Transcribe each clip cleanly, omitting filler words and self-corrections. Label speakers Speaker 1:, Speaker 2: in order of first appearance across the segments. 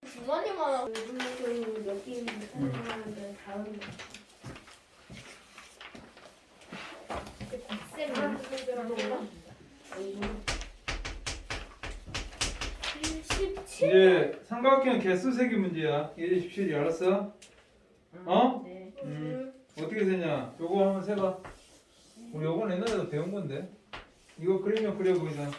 Speaker 1: 주머니만 하고 몇 개인지 설명하는데 다음
Speaker 2: 이제 삼각형 개수 세기 문제야. 예제 17이 알았어? 어?
Speaker 1: 네.
Speaker 2: 어떻게 세냐? 요거 한번 세봐. 우리 요건 옛날에도 배운 건데. 이거 그리면 그려 보이자.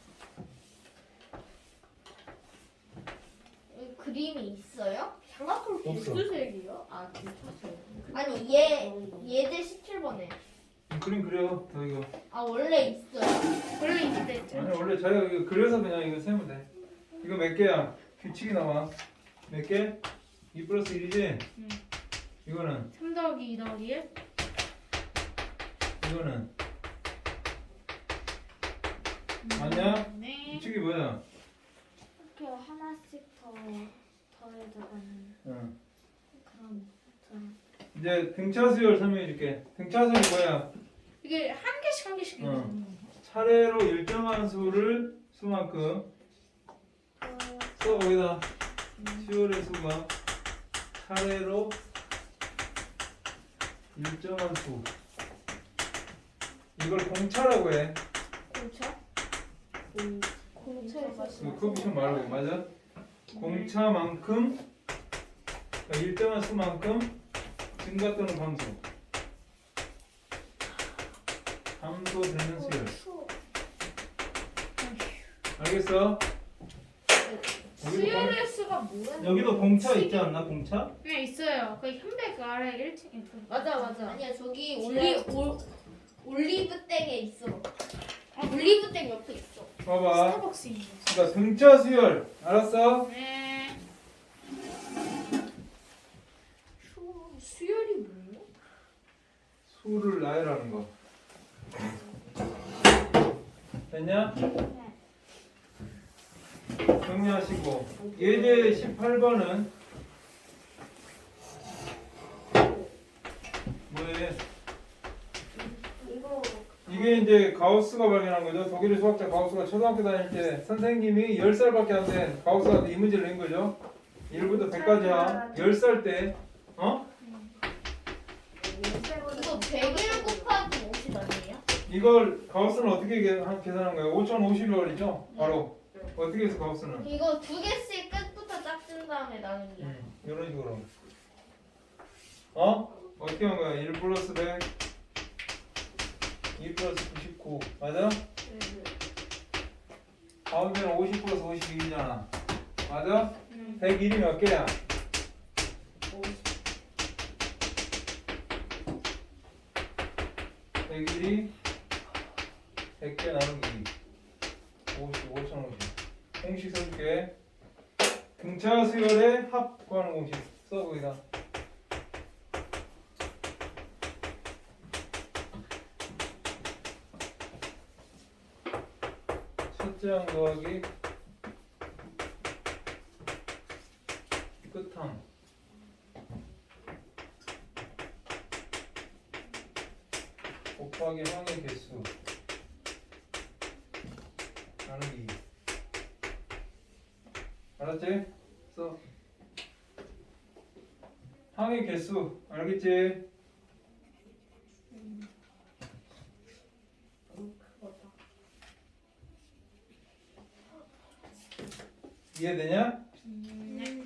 Speaker 1: 그림이 있어요?
Speaker 3: 삼각형
Speaker 2: 없어.
Speaker 3: 개수색이요? 아 괜찮아요.
Speaker 1: 아니 예제 17번에
Speaker 2: 그림 그려. 더 이거.
Speaker 1: 아 원래 있어요.
Speaker 3: 원래 있대.
Speaker 2: 아니 원래 자기가 이거 그려서 그냥 이거 세면 돼. 이거 몇 개야? 규칙이 나와. 몇 개? 2 플러스 1이지?
Speaker 3: 응.
Speaker 2: 이거는
Speaker 3: 3 더하기 2 더하기 1?
Speaker 2: 이거는 맞냐?
Speaker 3: 네.
Speaker 2: 규칙이 뭐야?
Speaker 4: 이렇게 하나씩 더해져가는
Speaker 2: 응.
Speaker 4: 그런
Speaker 2: 이제 등차 수열 설명해 줄게. 등차 수열이 뭐야?
Speaker 3: 이게 한 개씩 한 개씩
Speaker 2: 어.
Speaker 3: 있는 거.
Speaker 2: 차례로 일정한 수만큼 써 거기다 수열의 수가 차례로 일정한 수. 이걸 공차라고 해.
Speaker 3: 공차?
Speaker 4: 공차에서
Speaker 2: 그 커비션 말고 맞아? 공차만큼 그러니까 일정한 수만큼 증가 또는 감소되는 수열. 알겠어?
Speaker 3: 수열의 수가 뭐야?
Speaker 5: 여기도 공차 있지 않나? 공차?
Speaker 3: 네 있어요. 그 현백 아래 1층에
Speaker 1: 맞아 맞아. 아니야 저기 올리브 땡에 있어. 올리브 땡 옆에 있어.
Speaker 2: 봐봐.
Speaker 3: 스타벅스 있는 거.
Speaker 2: 그러니까 등차 수열. 알았어?
Speaker 3: 네. 수열이 뭐예요?
Speaker 2: 수를 나열하는 거. 됐냐? 정리하시고 예제 18번은 뭐예요?
Speaker 4: 이거
Speaker 2: 이게 이제 가우스가 발견한 거죠. 독일의 수학자 가우스가 초등학교 다닐 때 선생님이 10살밖에 안 된 가우스한테 이 문제를 낸 거죠. 1부터 100까지야. 10살 때 어?
Speaker 1: 이거 101 곱하기 50 아니에요?
Speaker 2: 이걸 가우스는 어떻게 계산한 거예요? 5050이죠? 바로 어떻게 해서 가우스는?
Speaker 1: 이거 두 개씩 끝부터 짝진 다음에 나누기.
Speaker 2: 이런 식으로. 어? 어떻게 한 거야? 1 플러스 100, 2 플러스 99. 맞아? 가운데는 50 플러스 52잖아. 맞아? 101이 몇 개야? 101이 100개 나누기 50, 5050. 공식 써줄게. 등차 수열의 합 구하는 공식 써 거기다. 첫째 항 더하기 끝항 곱하기 항의 개수 나누기 2. 알았지? 써. 항의 개수 알겠지? 이해되냐?
Speaker 3: 네.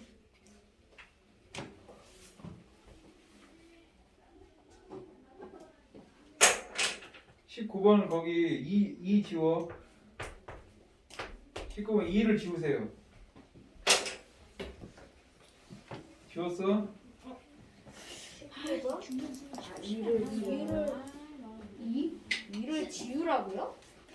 Speaker 2: 19번 거기 2 지워. 19번 2를 지우세요. 지웠어?
Speaker 1: 이를 지우라고요?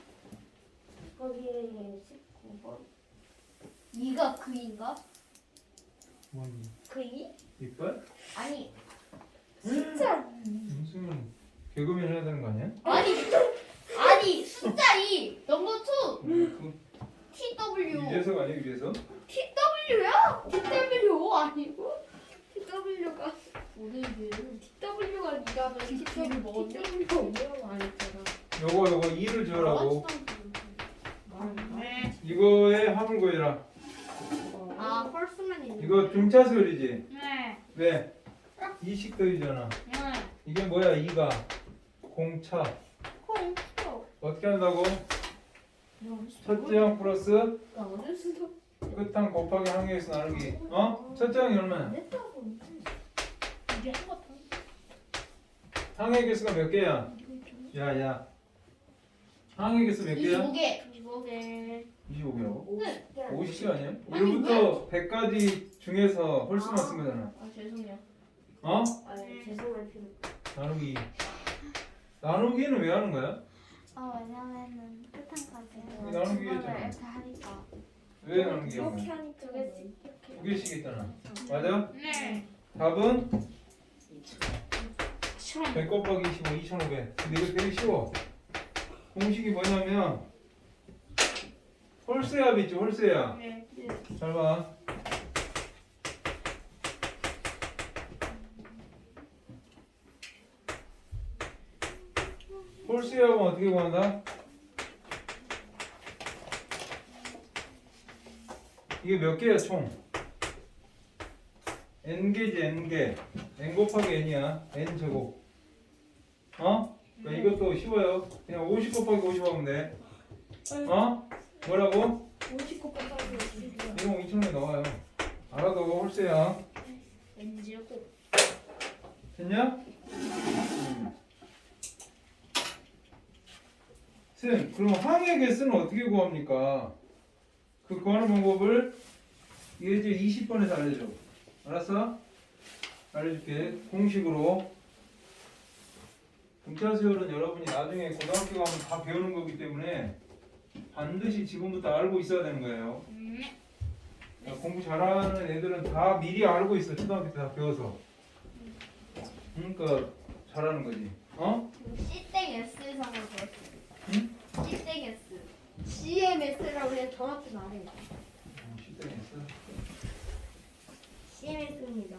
Speaker 4: 거기에 19번
Speaker 1: 2가 그인가?
Speaker 2: 뭐니?
Speaker 1: 그이?
Speaker 2: 이빨?
Speaker 1: 아니 숫자
Speaker 2: 무슨 개그맨 해야 되는 거 아니야?
Speaker 1: 아니 숫자 2 넘버 2
Speaker 2: 그
Speaker 1: TW
Speaker 2: 유재석 아니야 유재석?
Speaker 1: TW야? TW 아니고 TW가 TW가 니가면 TW 먹었네?
Speaker 4: TW가 안 했잖아.
Speaker 2: 요거 2를 지우라고.
Speaker 3: 네.
Speaker 2: 이거의 합을 구해라.
Speaker 1: 아 펄스맨이 있는
Speaker 2: 이거 등차수열이지?
Speaker 3: 네.
Speaker 2: 왜? 2씩 더이잖아.
Speaker 3: 네.
Speaker 2: 이게 뭐야? 2가 공차.
Speaker 3: 콩.
Speaker 2: 어떻게 한다고? 첫째 항 플러스
Speaker 1: 나 어쩔 수도
Speaker 2: 끝항 곱하기 항에서 나누기. 어? 첫째 항이 얼마야?
Speaker 1: 없겠다고.
Speaker 3: 이게 한 것.
Speaker 2: 항의 개수가 몇 개야? 야. 항의 개수 몇 개야?
Speaker 3: 25개. 25개.
Speaker 2: 25개라고?
Speaker 1: 50개
Speaker 2: 50개 아니야?
Speaker 3: 아니,
Speaker 2: 1부터 100까지 중에서 홀수만 쓴 거잖아.
Speaker 3: 아 죄송해요.
Speaker 2: 어?
Speaker 1: 아니 죄송할 필요
Speaker 2: 나누기. 나누기는 왜 하는 거야?
Speaker 4: 왜냐면은 끝한까지
Speaker 2: 나누기 했잖아.
Speaker 4: 이렇게 하니까
Speaker 2: 왜 나누기 하는
Speaker 1: 이렇게
Speaker 2: 거야?
Speaker 1: 하니까
Speaker 4: 두 개씩
Speaker 2: 두 개씩 했잖아. 맞아?
Speaker 3: 네.
Speaker 2: 답은
Speaker 3: 처음.
Speaker 2: 100 곱하기 25, 2500. 근데 이거 되게 쉬워. 공식이 뭐냐면 홀수압 있죠, 홀수압.
Speaker 3: 네.
Speaker 2: 잘 봐. 홀수압은 어떻게 구한다? 이게 몇 개야 총? n개지 n개. n 곱하기 n이야. n 제곱. 어? 그러니까 이것도 쉬워요. 그냥 50 곱하기 50 하면 돼. 어? 뭐라고?
Speaker 1: 50 곱하기 50이야.
Speaker 2: 이거 2,000원에 나와요. 알아도 홀수야.
Speaker 3: 왠지 꼭.
Speaker 2: 됐냐? 쌤, 그럼 항의 개수는 어떻게 구합니까? 그 구하는 방법을 예제 20번에서 알려줘. 알았어? 알려줄게. 공식으로. 등차수열은 여러분이 나중에 고등학교 가면 다 배우는 거기 때문에 반드시 지금부터 알고 있어야 되는 거예요. 공부 잘하는 애들은 다 미리 알고 있어. 초등학교 때 다 배워서. 그러니까 잘하는 거지. 어?
Speaker 4: C땡 S상을 보였어요.
Speaker 2: 응?
Speaker 4: C땡 S.
Speaker 1: CMS라고 그냥 정확히 말해.
Speaker 2: 실전했어.
Speaker 1: CMS입니다.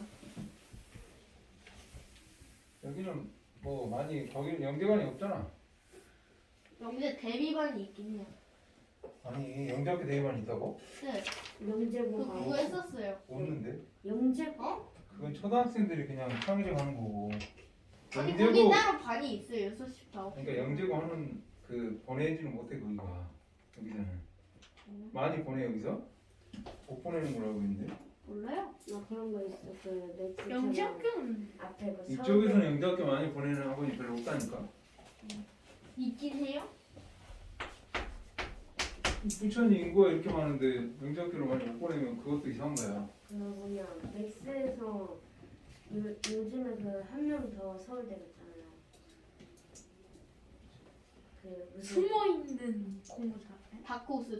Speaker 2: 여기는 뭐 많이 거기는 영재관이 없잖아.
Speaker 4: 영재 대비반이 있긴 해요.
Speaker 2: 아니 영재학교 대회만 있다고?
Speaker 4: 네.
Speaker 1: 영재고가
Speaker 4: 그거 했었어요.
Speaker 2: 없는데?
Speaker 1: 영재고?
Speaker 2: 그건 초등학생들이 그냥 평일에 가는 거고.
Speaker 4: 아니 거기
Speaker 2: 영재고
Speaker 4: 따로 반이 있어요. 6시부터 9시.
Speaker 2: 그러니까 영재고 하는 그 보내지는 못해 거기가 여기서는 많이 보내 여기서 못 보내는 거라고 있는데
Speaker 4: 몰라요?
Speaker 1: 나 그런 거 있어. 그 매치
Speaker 3: 영재학교는
Speaker 1: 앞에 그
Speaker 2: 이쪽에서는 영재학교 많이 보내는 학원이 별로 없다니까.
Speaker 4: 있긴 해요?
Speaker 2: 부천이 인구가 이렇게 많은데 영재학교를 많이 못 보내면 그것도 이상한 거야.
Speaker 1: 그 뭐냐 맥스에서 요즘에 그 한 명 더 서울대 갔잖아요. 그 무슨
Speaker 3: 숨어 있는 공부 잘해.
Speaker 4: 다크호스.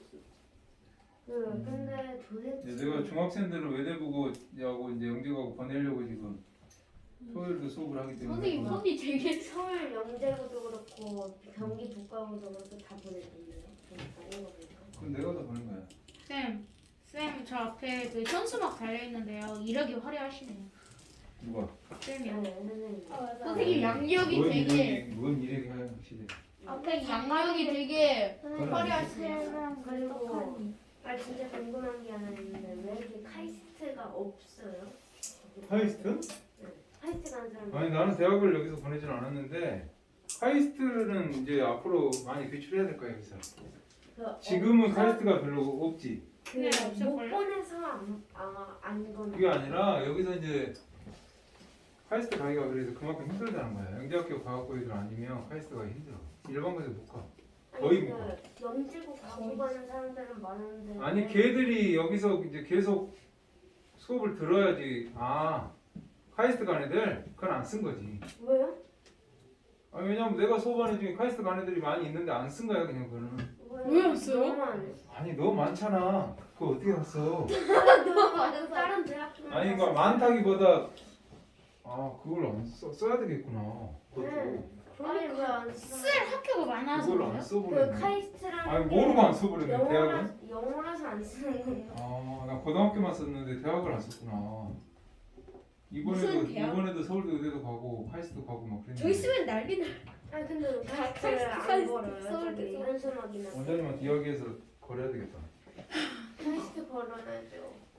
Speaker 1: 근데 도대체
Speaker 2: 내가 중학생들을 외대부고 하고 이제 영재하고 보내려고 지금 토요일도 수업을 하기 때문에
Speaker 4: 선생님 손이 되게
Speaker 1: 서울 영재고도 그렇고 경기 북가고도 그렇고 다 보냈던데요. 아닌 거 보니까.
Speaker 2: 그건 내가 다 보낸 거야.
Speaker 3: 쌤, 저 앞에 그 현수막 달려 있는데요. 이력이 화려하시네요.
Speaker 2: 누가?
Speaker 3: 쌤이요.
Speaker 1: 네, 선생님.
Speaker 4: 선생님 양력이 되게
Speaker 2: 뭔 일이 하는 시대.
Speaker 4: 앞에 양력이 되게
Speaker 2: 그건
Speaker 4: 화려하시네요.
Speaker 1: 그리고 진짜 궁금한 게 하나 있는데 왜 이렇게 카이스트가 없어요?
Speaker 2: 카이스트?
Speaker 1: 카이스트 가는 사람
Speaker 2: 아니 나는 대학을 여기서 보내진 않았는데 카이스트는 이제 앞으로 많이 배출해야 될 거야 여기서. 지금은 카이스트가 별로 없지.
Speaker 3: 네,
Speaker 1: 못
Speaker 3: 없을걸요?
Speaker 1: 보내서 안 거는
Speaker 2: 그게 아니라 여기서 이제 카이스트 가기가 그래서 그만큼 힘들다는 거야. 영재학교 가갖고 애들 아니면 카이스트 가기 힘들어. 일반 고에서 못 가. 거의 못 가.
Speaker 1: 영재고 가고 가는 사람들은 많은데
Speaker 2: 아니 걔들이 여기서 이제 계속 수업을 들어야지. 아 카이스트 간 애들 그건 안 쓴 거지.
Speaker 1: 왜요?
Speaker 2: 아니 왜냐면 내가 수업하는 중에 카이스트 간 애들이 많이 있는데 안 쓴 거야 그냥 그거는.
Speaker 3: 왜 안 써요?
Speaker 1: 너무 안 해.
Speaker 2: 아니 너무 많잖아. 그거 어떻게 갔어?
Speaker 4: 너무 많은 사람.
Speaker 1: 다른 대학교
Speaker 2: 아니 그러니까 많다기보다 아 그걸 안 써야 되겠구나. 그것도
Speaker 1: 네. 아니 왜안 써?
Speaker 3: 쓸 학교가 많아서
Speaker 2: 그걸 안
Speaker 3: 그래요?
Speaker 1: 그
Speaker 2: 써버렸네.
Speaker 1: 카이스트라는
Speaker 2: 아니
Speaker 1: 게
Speaker 2: 모르고 안 써버렸네 대학은.
Speaker 1: 영어라서 안 쓰는 거예요.
Speaker 2: 아나 고등학교만 썼는데 대학을 안 썼구나.
Speaker 3: 무슨 대학?
Speaker 2: 이번에도 서울대 의대도 가고 카이스트 가고 막 그랬는데.
Speaker 3: 저희 쓰면 난리 나.
Speaker 1: 아니 근데 카이스트를 안
Speaker 3: 카이스트,
Speaker 1: 걸어요.
Speaker 3: 서울대,
Speaker 1: 저기
Speaker 3: 서울대.
Speaker 1: 현수막이나
Speaker 2: 원장님한테 이야기해서 거래야 되겠다.
Speaker 1: 카이스트 걸어놔야죠.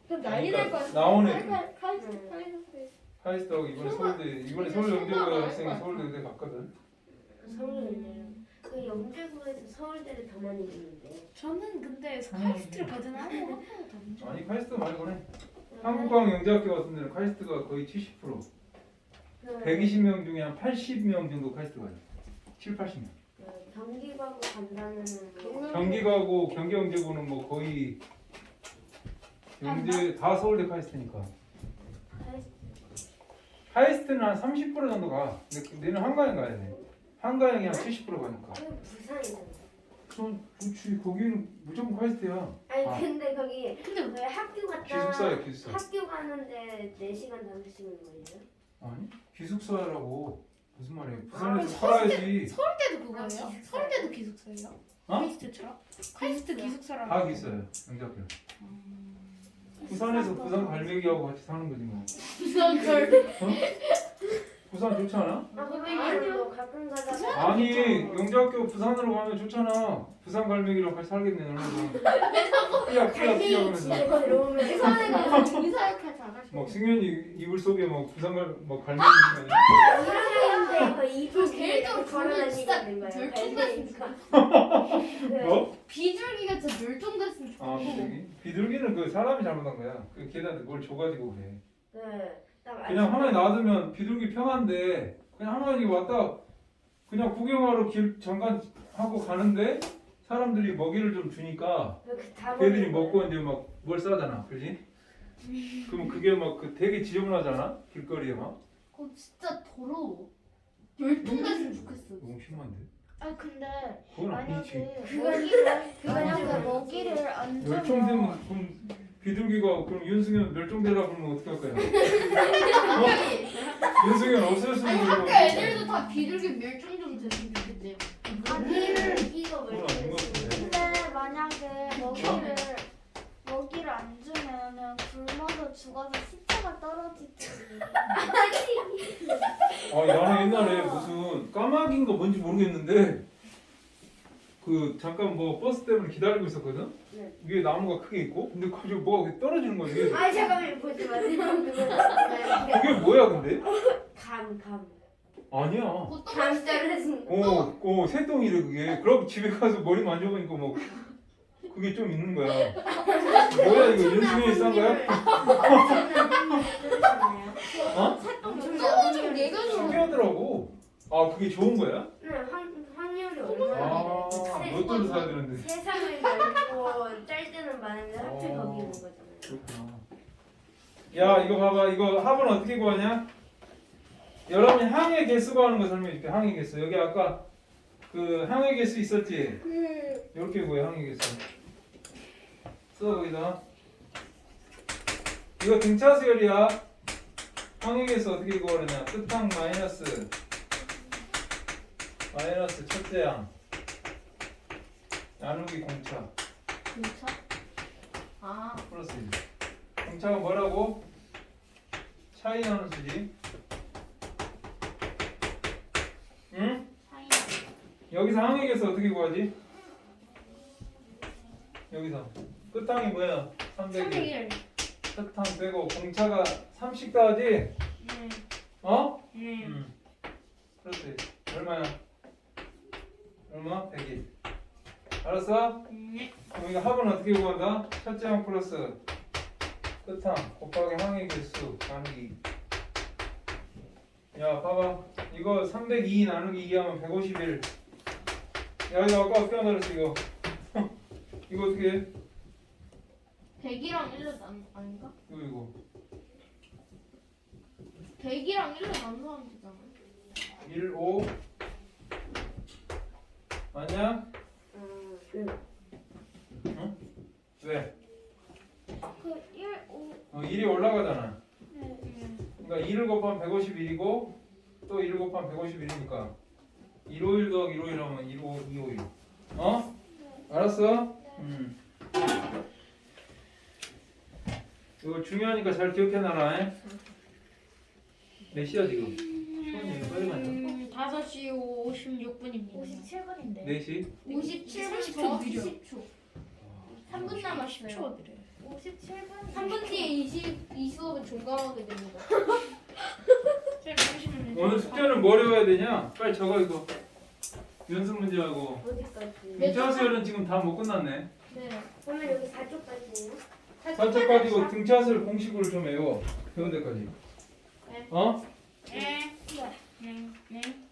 Speaker 4: 그럼 난리 날 것 같아.
Speaker 2: 나오네.
Speaker 4: 카이스트.
Speaker 2: 카이스트하고 이번에 서울 영재고 학생이 서울대 의대 갔거든.
Speaker 1: 서울대요. 그 영재고에서 서울대를 더 많이 듣는데.
Speaker 3: 저는 근데 카이스트를 가진 않은 것 같아요.
Speaker 2: 아니 카이스트 말고네. 한국과학 영재학교 같은 데는 카이스트가 거의 70%. 120명 중에 한 80명 정도 카이스트 가요. 7, 80명.
Speaker 1: 경기 가고 간다는
Speaker 2: 경기 가고 경기 영재고는 뭐 거의 영재 다 서울대 카이스트니까. 카이스트는 한 30% 정도 가. 근데 얘는 한가영 가야 돼. 한가영이 한 70% 가니까.
Speaker 1: 부산이잖아.
Speaker 2: 그렇지. 거기는 무조건 카이스트야.
Speaker 1: 아니
Speaker 2: 아.
Speaker 1: 근데 거기 왜 학교 갔다
Speaker 2: 기숙사야 기숙사.
Speaker 1: 학교 가는데 4시간 5시간 걸려요?
Speaker 2: 아니 기숙사라고 무슨 말이에요? 부산에서 살아야지.
Speaker 3: 서울대도 그거예요? 서울대도 기숙사예요?
Speaker 2: 어?
Speaker 3: 카이스트처럼? 카이스트 기숙사라고.
Speaker 2: 다 있어요. 영재학교. 부산에서 부산 갈매기하고 같이 사는 거지 뭐.
Speaker 3: 부산걸.
Speaker 2: 부산 좋지 않아?
Speaker 1: 아니요 가끔 가다가
Speaker 2: 아니 영재학교 부산으로 가면 좋잖아. 부산 갈매기랑 같이 살겠네 너네도. 삐약
Speaker 1: 갈매기
Speaker 2: 하면서.
Speaker 1: 집에 들어오면
Speaker 4: 부산에 가서 이사역할 잘하시고.
Speaker 2: 막 승현이 이불 속에 막 부산 갈매기.
Speaker 1: 이러는데 그 이불 뒤에
Speaker 4: 걔도
Speaker 1: 걸어다니는 거예요.
Speaker 4: 멸종됐으니까.
Speaker 2: 뭐?
Speaker 4: 비둘기가 진짜 멸종됐으면 좋겠고.
Speaker 2: 아 비둘기? 비둘기는 그 사람이 잘못한 거야. 그 걔한테 뭘 줘가지고 그래.
Speaker 1: 네. 딱
Speaker 2: 그냥 하나에 놔두면 비둘기 평한데 그냥 하나에 왔다 그냥 구경하러 길 잠깐 하고 가는데 사람들이 먹이를 좀 주니까 걔들이 먹고 이제 막 뭘 싸잖아, 그렇지? 그럼 그게 막 그 되게 지저분하잖아, 길거리에 막.
Speaker 4: 그거 진짜 더러워. 멸종됐으면 좋겠어.
Speaker 2: 너무 심한데?
Speaker 6: 아 근데
Speaker 2: 그건 아니지.
Speaker 6: 만약에 만약에 먹이를 안 주면
Speaker 2: 멸종되면 그럼 비둘기가 그럼 윤승현 멸종되라 그러면 어떻게 할 거야? 어? 윤승현 없어졌으면
Speaker 4: 아니 학교 애들도 다 비둘기 멸종 좀 됐으면 좋겠대요.
Speaker 1: 이거
Speaker 2: 그건 아닌 것 같은데.
Speaker 6: 근데 만약에 먹이를 안 주면은 굶어서 죽어서 시체가 떨어지지.
Speaker 2: 아, 나는 옛날에 무슨 까마귀인 거 뭔지 모르겠는데 그 잠깐 뭐 버스 때문에 기다리고 있었거든?
Speaker 1: 네.
Speaker 2: 위에 나무가 크게 있고 근데 갑자기 뭐가 떨어지는 거야 위에서.
Speaker 1: 아 잠깐만 보지 마세요.
Speaker 2: 그게 뭐야 근데?
Speaker 1: 감.
Speaker 2: 아니야.
Speaker 1: 감 떨어진 거.
Speaker 2: 새똥이래 그게. 그럼 집에 가서 머리 만져보니까 뭐 그게 좀 있는 거야. 뭐야 이거 윤승현이 싼 거야? 어?
Speaker 4: 좀 예견이
Speaker 2: 신기하더라고. 아 그게 좋은 거야?
Speaker 1: 네, 확률이 얼마나
Speaker 2: 아 로또를 사야 되는데.
Speaker 1: 세상을 넓고 짤 때는 많은데 하필
Speaker 2: 어.
Speaker 1: 거기 있는 거잖아요.
Speaker 2: 그렇구나. 야 이거 봐봐. 이거 합은 어떻게 구하냐? 여러분이 항의 개수 구하는 거 설명해줄게. 항의 개수. 여기 아까 그 항의 개수 있었지? 이렇게 구해 항의 개수. 써 거기다. 이거 등차 수열이야. 항의 개수 어떻게 구하느냐? 끝항 마이너스 첫째 항 나누기 공차
Speaker 4: 진짜? 아
Speaker 2: 플러스 1. 공차가 뭐라고? 차이 나는 수지. 응?
Speaker 4: 차이.
Speaker 2: 여기서 항의 개수 어떻게 구하지? 여기서 끝항이 뭐야? 301.
Speaker 3: 301.
Speaker 2: 끝항 빼고 공차가 30 더하지?
Speaker 3: 네.
Speaker 2: 어?
Speaker 3: 네.
Speaker 2: 그렇지. 얼마야? 얼마? 101. 알았어?
Speaker 3: 네.
Speaker 2: 그럼 이거 합은 어떻게 구한다? 첫째 항 플러스 끝항 곱하기 항의 개수 나누기. 야 봐봐. 이거 302 나누기 2 하면 151. 야 이거 아까 어떻게 한다 그랬어 이거. 이거 어떻게 해?
Speaker 4: 100이랑 1로 아닌가?
Speaker 2: 이거
Speaker 4: 100이랑 1로 나누면 되잖아.
Speaker 2: 1, 5 맞냐? 응? 왜?
Speaker 6: 그 1, 5.
Speaker 2: 1이 올라가잖아.
Speaker 6: 네.
Speaker 2: 그러니까 2를 곱하면 151이고 또 1을 곱하면 151이니까 151 더하기 151 하면 251. 어? 알았어? 이거 중요하니까 잘 기억해놔라. 몇 시야 지금? 시간이 빨리 가냐?
Speaker 3: 5시 56분입니다.
Speaker 6: 57분인데.
Speaker 2: 4시?
Speaker 4: 57분
Speaker 3: 30초
Speaker 4: 더
Speaker 3: 느려.
Speaker 4: 20초. 3분 남았어요.
Speaker 3: 10초 느려요.
Speaker 6: 57분.
Speaker 4: 3분 뒤에 이 수업은 종강하게 됩니다.
Speaker 3: 쌤 보시면
Speaker 2: 오늘 숙제는 뭐 어려워야 되냐? 빨리 적어 이거. 연습 문제하고.
Speaker 1: 어디까지?
Speaker 2: 등차수열은 지금 다 못 끝났네.
Speaker 4: 네.
Speaker 1: 그러면 여기 4쪽까지예요?
Speaker 2: 4초까지고 등차수열 공식으로 좀 외워. 배운 데까지.
Speaker 4: 네.
Speaker 2: 어?
Speaker 3: 네. 네. 네.